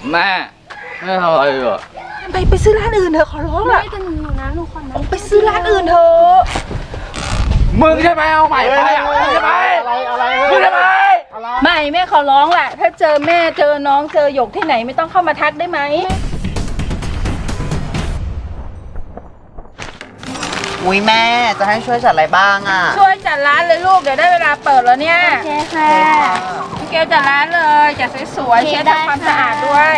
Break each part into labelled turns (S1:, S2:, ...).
S1: แม่ไม่ทำอะไรหรอ
S2: ไปซื้อร้านอื่นเถอะขอร้องล่ะ
S3: ไม่จะหนูนะหนูขอนะ
S2: ไปซื้อร้านอื่นเถอะ
S1: มึงใช่ไหมเอาใหม่ไปอ่ะมึงใช่ไหมอะไรมึงใช่ไหม
S2: ไม่แม่ขอร้องแหละถ้าเจอแม่เจอน้องเจอหยกที่ไหนไม่ต้องเข้ามาทักได้ไหม
S4: อุ้ยแม่จะให้ช่วยจัดอะไรบ้างอ่ะ
S2: ช่วยจัดร้านเลยลูกเดี๋ยวได้เวลาเปิดแล้วเนี่ย
S3: โอเคค่ะ
S2: พี่เกลจัดร้านเลยจัดสวยๆเช็ดทำความสะอาดด้วย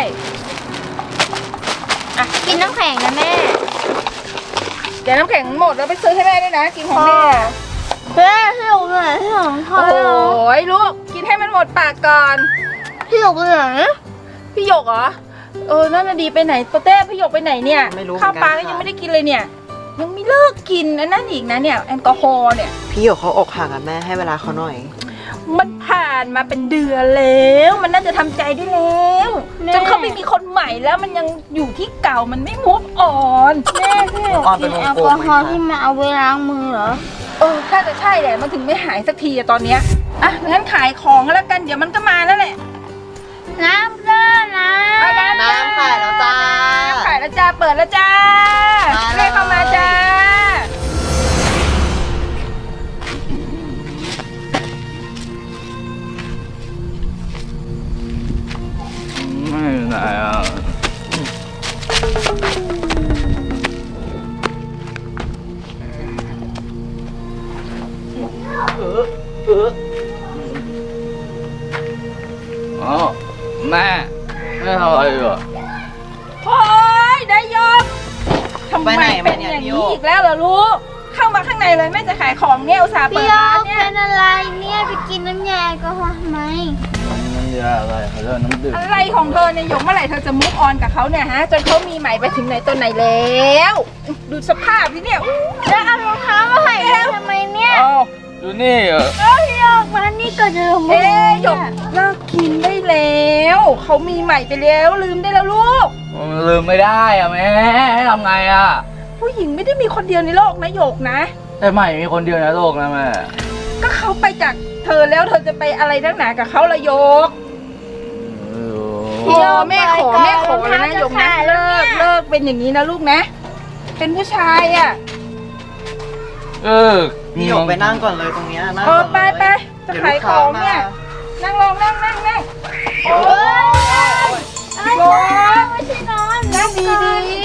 S3: กินน้ำแข็งนะแม่
S2: เดี๋ยวน้ำแข็งหมดแล้วไปซื้อให้แม่ด้วยนะกินของแม่
S3: เฮ้ยพี่หยกเลยพี่หยกทอด
S2: โอ้ยลูกกินให้มันหมดปากก่อน
S3: พี่หยกเลย
S2: พี่หยกเหรอนั่นน่ะดีไปไหนโปเต้พี่หยกไปไหนเนี่ยข้าวปลาก็ยังไม่ได้กินเลยเนี่ยยังไม่เลิกกินนั่นอีกนะเนี่ยแอลกอฮอล์เนี่ย
S4: พี่หยกเขาอกหักอ่ะแม่ให้เวลาเขาหน่อย
S2: มันผ่านมาเป็นเดือนแล้วมันน่าจะทำใจได้แล้วจนเขาไม่มีคนใหม่แล้วมันยังอยู่ที่เก่ามันไม่มูฟออน
S3: แม่พี่หยกกินแอลกอฮอล์ที่มาเอาไว้ล้างมือเหรอ
S2: ถ้าจะใช่แหละมันถึงไม่หายสักทีอะตอนเนี้ยงั้นขายของแล้วกันเดี๋ยวมันก็มาแล้วแหละ
S3: น้ำเด้อน้
S4: ำขายแล้วจ้า
S2: ขายแล้วจ้าเปิดแล้วจ้าให้เข้ามาจ้า
S1: ไม่ไหนอ่ะแม่ไม่ทำอะไรหรอ
S2: โอ้ยได้ยกทำไมเป็นอย่างนี้อีกแล้วเหรอลูกเข้ามาข้างในเลยแม่จะขายของเนี่ยอุตส่าห์เปิดร้านเนี่ย
S3: เป็นอะไรเนี่ยไปกินน้ำยาแอลกอฮอล์ทำไม
S1: น้ำยาอะไรเขาเรียกน้ำดื่ม
S2: อะไรของเธอเนี่ยหยกเมื่อไหร่เธอจะมุกออนกับเขาเนี่ยฮะจนเขามีใหม่ไปถึงไหนตัวไหนแล้วดูสภาพที่เนี่ย
S3: แล้วเอารองเท้ามาให้ทำไมเนี่ย
S1: ดูนี่
S3: พี่หยกมานี่ก่อนเถอะ
S2: หยกเลิกกินได้แล้วเขามีใหม่ไปแล้วลืมได้แล้วลูก
S1: ลืมไม่ได้อะแม่ให้ทำไงอะ
S2: ผู้หญิงไม่ได้มีคนเดียวในโลกนะหยกนะ
S1: แต่ใหม่มีคนเดียวในโลกนะแม่
S2: ก็เขาไปจากเธอแล้วเธอจะไปอะไรนักหนากับเขาละหยกแม่ขอเลยนะหยกนะเลิกเป็นอย่างนี้นะลูกนะเป็นผู้ชายอ่ะ
S4: พี่หยกไปนั่งก่อนเลยตรงนี้นั่ง
S2: ไปจะขายของเนี่ยนั่งลงนั่งโอ้ย
S3: ไม่ใช่นอน
S2: นั่งดี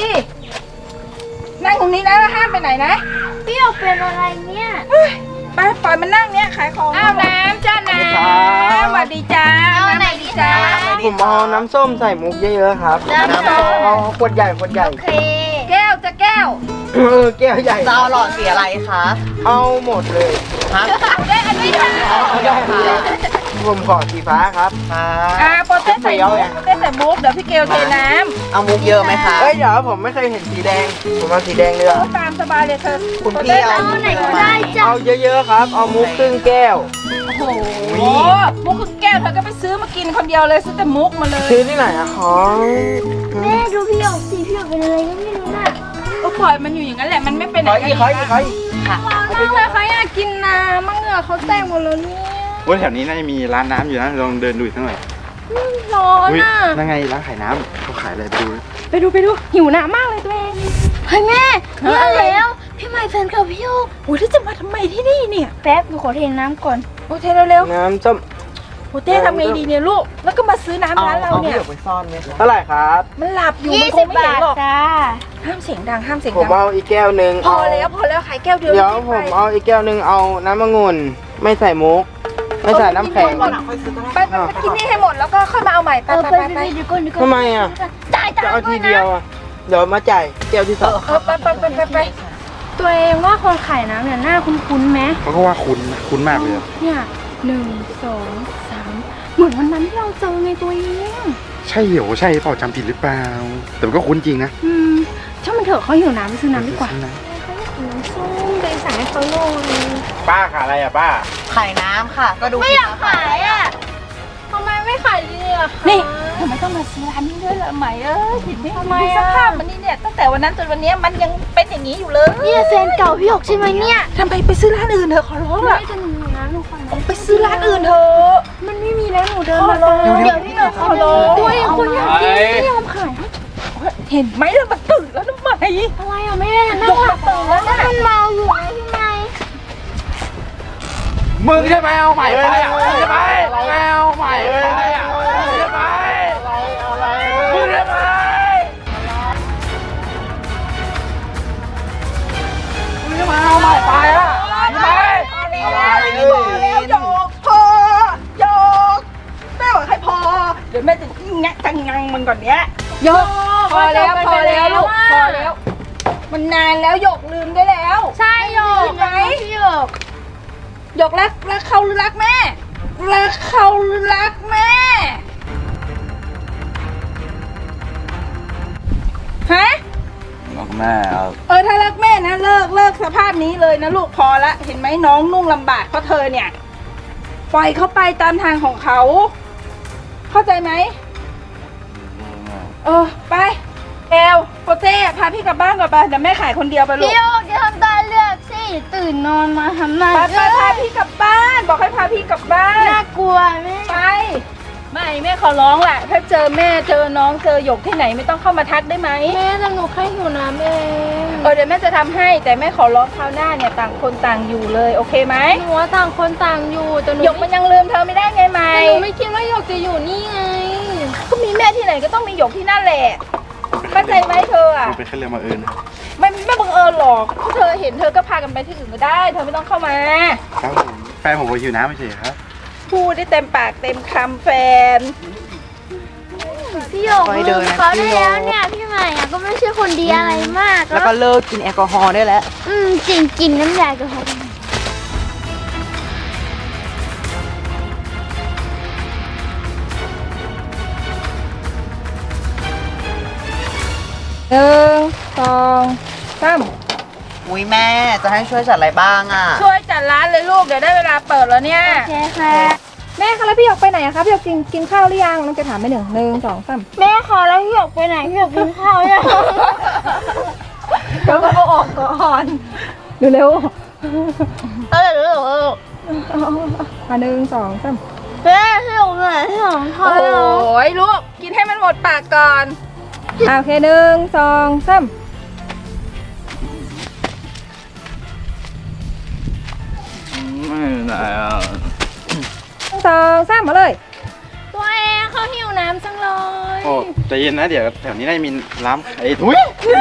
S2: นั่งตรงนี้นะห้ามไปไหนนะ
S3: พี่หยกเป็นอะไรเนี่ย
S2: ไปปล่อยมันนั่งเนี่ยขายของเอาน้ำจ้าน้ำสวัสดีจ้า
S3: เอาไหนดีจ้า
S5: ผมเอาน้ำส้มใส่มุกเยอะๆครับ
S2: น้ำส้ม
S5: เอาขวดใหญ่โอ
S3: เค
S2: แก้วจะแก้ว
S5: แก้วใหญ่
S4: จะเอาหลอดสีอะไรคะ
S5: เอาหมดเลย
S2: ได้อันนี้ค่ะ
S5: ผมขอสีฟ้าครับ
S2: โปเต้ใส่มุกเดี๋ยวพี่เกลเทน้ำ
S4: เอามุกเยอะไหมคะ
S5: เดี๋ยวผมไม่เคยเห็นสีแดงผมเอาสีแดงเลย
S2: ตามสบายเลยเธอ
S4: คุณพี่เอา
S3: ไหนก็ได้จ้ะ
S5: เอาเยอะๆครับเอามุกครึ่งแก้ว
S2: โอ้โหมุกครึ่งแก้วเธอก็ไปซื้อมากินคนเดียวเลยซื้อแต่มุกมาเลย
S5: ซื้อที่ไหนอะของ
S3: แม่ดูพี่หยกสิพี่หยกเป็นอะไรก็ไม่รู้น่ะ
S2: ก็ปล่อยมันอยู่อย่างนั้นแหละมันไม่เป็นอะไร
S5: ใคร
S2: ค่ะเขาอยากกินน้ำมั่งเหงื่อเขาแตกหมดแล้วเนี่ย
S6: ว่าแถวนี้น่าจะมีร้านน้ำอยู่นะลองเดินดูอีกสักหน่อย
S2: ร้อนอ่ะ
S6: นั่นไงร้านขายน้ำเขาขายอะไร
S2: ไปดูหิวน้ำมากเลยตัวเอง
S3: เฮ้ยแม่เนี่ยแล้วพี่ใหม่แฟนเก่าพี่หยก
S2: โอ้ยที่จะมาทำไมที่นี่เนี่ย
S3: แป๊บหนูขอเทน้ำก่อน
S2: โอ้เทเร็ว
S5: ๆน้ำส้ม
S2: โอ้เต้ทำไงดีเนี่ยลูกแล้วก็มาซื้อน้ำร้านเราเนี่ย
S4: ไปซ่อนไหม
S5: เท่าไหร่ครับ
S2: มันหลับอยู่มันคงไม่เห็นหรอกห้ามเสียงดัง
S5: ผมเอาอีกแก้วนึง
S2: พอแล้วขายแก้วเดียว
S5: เดี๋ยวผมเอาอีกแก้วนึงเอาน้ำองุ่นไม่ใส่มุกไม่ใส่น้ำแข็ง
S2: ไปกินนี่ให้หมดแล้วก็ค่อยมาเอาใหม่ไป
S5: ทำไมอ่ะจะเอาทีเดียวอ่ะเดี๋ยวมาจ่ายแก้วที่สอง
S2: ไป
S3: ตัวเองว่าคนขายน้ำเนี่ยหน้าคุ้นๆไหม
S6: เขาก็ว่าคุ้นมากเลย
S3: เนี่ย1 2 3เหมือนวันนั้นที่เราเจอไงตัวเอง
S6: ใช่เหรอใช่เปล่าจำผิดหรือเปล่าแต่ก็คุ้นจริงนะ
S3: ช่างมันเถอะเขาหิวน้ำไปซื้อน้ำดีกว่าน้ำส้มไปสั่งให้เขาหน่อย
S6: ป้าขายอะไรอ่ะป้า
S4: ขายน้ำค่ะก็ดู
S3: ไม่อยากขายอ่ะทำไมไม่ขายดีอ่ะ
S2: นี่ทำไมต้องมาซื้อร้านนี้ด้วยล่ะไหมผิดได้ทำไมสภาพมันนี่เนี่ยตั้งแต่วันนั้นจนวันนี้มันยังเป็นอย่างนี้อยู่เลย
S3: นี่แฟนเก่าพี่หยกใช่ไหมเนี่ย
S2: ทำไมไปซื้อร้านอื่นเถอะขอร้องอ่ะ
S3: ไม่จะหนูนะหนูขอ
S2: ไปซื้อร้านอื่นเถอะ
S3: มันไม่มีแล้วหนูเดินมาเดี๋ยวพี่หยกขอร้องด้วยคนอยากกิน
S2: เห็นไหมล่ะมันตื่นแล้วทำไม
S3: อะไรอ่ะแม่นั่งหลับตื่นแล้วนะมันเมาอยู่ไงพี่ไง
S1: มึงใช่ไหมเอาใหม่ไปอ่ะมึงใช่ไหมเอาใหม่ไปอ่ะมึงใช่ไหมมึงใช่ไหมมึงใช่ไหมเอาใหม่ไปอ่ะใช่ไหม
S2: แล้วโยกพอโยกแม่บอกให้พอเดี๋ยวแม่จะแงะจังงังมันก่อนเนี้ยโยกพอแล้วพอแล้วลูกพอแล้วมันนานแล้วโยกลืมได้แล้ว
S3: ใช่โยก
S2: ไหม
S3: พี่โยก
S2: โยกรักเขาหรือรักแม่รักเขาหรือรักแม่ฮะ
S1: รักแม่ครับ
S2: ถ้ารักแม่นะเลิกสภาพนี้เลยนะลูกพอละเห็นไหมน้องนุ่งลำบากเพราะเธอเนี่ยปล่อยเขาไปตามทางของเขาเข้าใจไหมไปแอลโปเต้พาพี่กลับบ้านก่อนไปเดี๋ยวแม่ขายคนเดียวไปลูก
S3: พี่โยกจะทำตาเลือกสิตื่นนอนมาทำไม
S2: ไปพาพี่กลับบ้านบอกให้พาพี่กลับบ้าน
S3: น่ากลัวแม่
S2: ไปไม่แม่ขอร้องแหละถ้าเจอแม่เจอน้องเจอหยกที่ไหนไม่ต้องเข้ามาทักได้ไหม
S3: แม่แต่หนูแค่หิวน้ำเอง
S2: เดี๋ยวแม่จะทำให้แต่แม่ขอร้องคราวหน้าเนี่ยต่างคนต่างอยู่เลยโอเคไหม
S3: หนูว่าต่างคนต่างอยู่แต่หนู
S2: หยกมันยังลืมเธอไม่ได้ไงไหม
S3: แต่หนูไม่คิดว่าหยกจะอยู่นี่ไง
S2: ก็มีแม่ที่ไหนก็ต้องมีหยกที่นั่นแหละเข้าใจไหมเธออ่ะ
S6: มันเป็นแค่เรื่องบังเอิญนะ
S2: ไม่บังเอิญหรอกถ้าเธอเห็นเธอก็พากันไปที่อื่นก็ได้เธอไม่ต้องเข้ามา
S6: ครับผมแฟนผมก็หิวน้ำไม่ใช่เหรอครับ
S2: พูดได้เต็มปากเต็มคำแฟน
S3: พี่โยกลืมเขาได้แล้วเนี่ยพี่ใหม่อะก็ไม่ใช่คนดีอะไรมาก
S4: แล้วก็เลิกกินแอลกอฮอล์ได้แล้ว
S3: จริงกินน้ำยาแอลกอฮอล์
S2: 1 2 3
S4: อุ้ยแม่จะให้ช่วยจัดอะไรบ้างอ่ะ
S2: ช่วยจัดร้านเลยลูกเดี๋ยวได้เวลาเปิดแล้วเนี่ย
S3: โอเคค่ะ
S7: แม่คะแล้วพี่หยกไปไหนอะคะพี่หยกกินข้าวหรือยังน้องจะถามไปหนึ่งสองสาม
S3: แม่ขอแล้วพี่หยกไปไหนพี่หยกกินข้าวยัง
S7: เดี๋ยวเอาออกก่อนเร็ว 1 2 3
S3: แม่พี่หยกไหนพี่หยกขอ
S2: โอ้
S3: แล้ว
S2: โหลูกกินให้มันหมดปากก่อน
S7: โอเค1 2 3
S1: ไม่ไหนอ่ะ
S7: 2 3มาเลย
S3: ตัวเองเขาหิวน้ำจังเลย
S6: โอ้ใจเย็นนะเดี๋ยวแถวนี้น่าจะมีร้านไอ้ทุย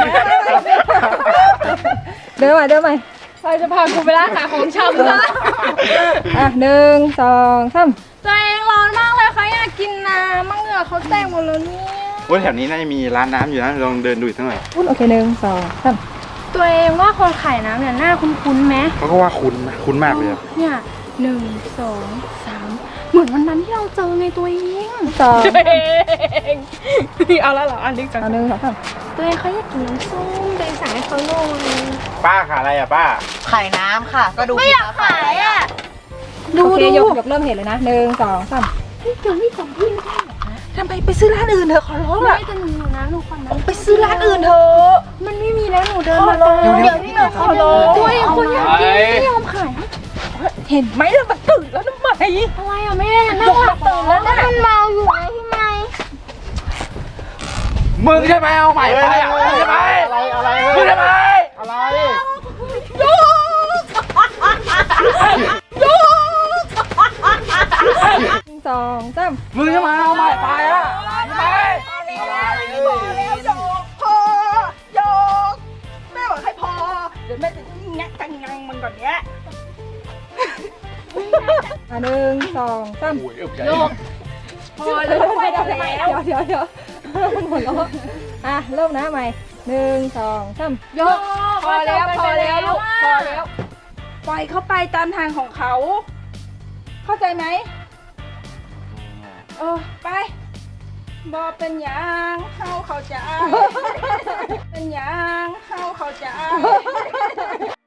S7: เดินใหม่
S3: เราจะพาคุณไปร้านขายของชำซะ
S7: 1 2 3
S3: ตัวเองร้อนมากเลยเขาอยากกินน้ำมั่งเหงื่อเขาแตกหมดแล้วเนี่ย
S6: โอ้แถวนี้น่าจะมีร้านน้ำอยู่นะลองเดินดูอีกสักหน่อย
S7: โอเค1 2 3
S3: ตัวเองว่าคนขายน้ำเนี่ยหน้าคุ้นๆไหม
S6: เขาก็ว่าคุ้นนะคุ้นมากเลยอะ
S3: เนี่ย1 2 3เหมือนวันนั้นที่เราเจอไงตัวเอง
S7: 2
S3: เอาแล้วเหรออันนี้จัง
S7: 1 2 3
S3: ตัวเองเขาอยากกินน้ำส้มตัวเองสั่งให้เขาลง
S6: ป้าขายอะไรอ่ะป้า
S4: ขายน้ำค่ะ ก็ดู
S3: ไม่อยากขายอ่ะ
S7: โอเคหยกเริ่มเห็นเลยนะ1 2 3
S3: เดี๋ยวไม่ของพี่ไม่ได้
S2: ทำไมไปซื้อร้านอื่นเถอะขอร้อง
S3: ไม่
S2: ละ
S3: จะหนูอยู่นะหนูขอน้ำ
S2: ไปซื้อร้านอื่นเถอะ
S3: มันไม่มีแล้วหนูเดิน
S2: ขอ
S3: มา
S2: ร้อง
S3: เดี๋ยวพี่หนูขอร้องตัวเองคนอยากกินไม่ยอมขาย
S2: เห็นไหมล่ะมันตื่นแล้วทำไม
S3: อะไรอ่ะแม่นั่งหลับตื่นแล้วนะมันเมาอยู่ไงพี่ไง
S1: มึงใช่ไหมเอาใหม่ไปอ่ะมึงใช่ไหมมึงใช่ไหม
S7: 2 3
S1: มึงใช่ไหมเอาใหม่ไปอ่ะใช่ไหม
S2: โยกพอโยกแม่บอกให้พอเดี๋ยวแม่จะแงะจังงังมันก่อนเนี้ย
S7: 1 2 3
S2: โยกพอแล้วไปแล้ว
S7: เดี๋ยวมันหัวเราะเริ่มนะใหม่1 2 3
S2: โยกพอแล้วลูกพอแล้วปล่อยเขาไปตามทางของเขา เข้าใจไหมไปบอเป็นหยังเข้าใจเป็นหยังเข้าใจ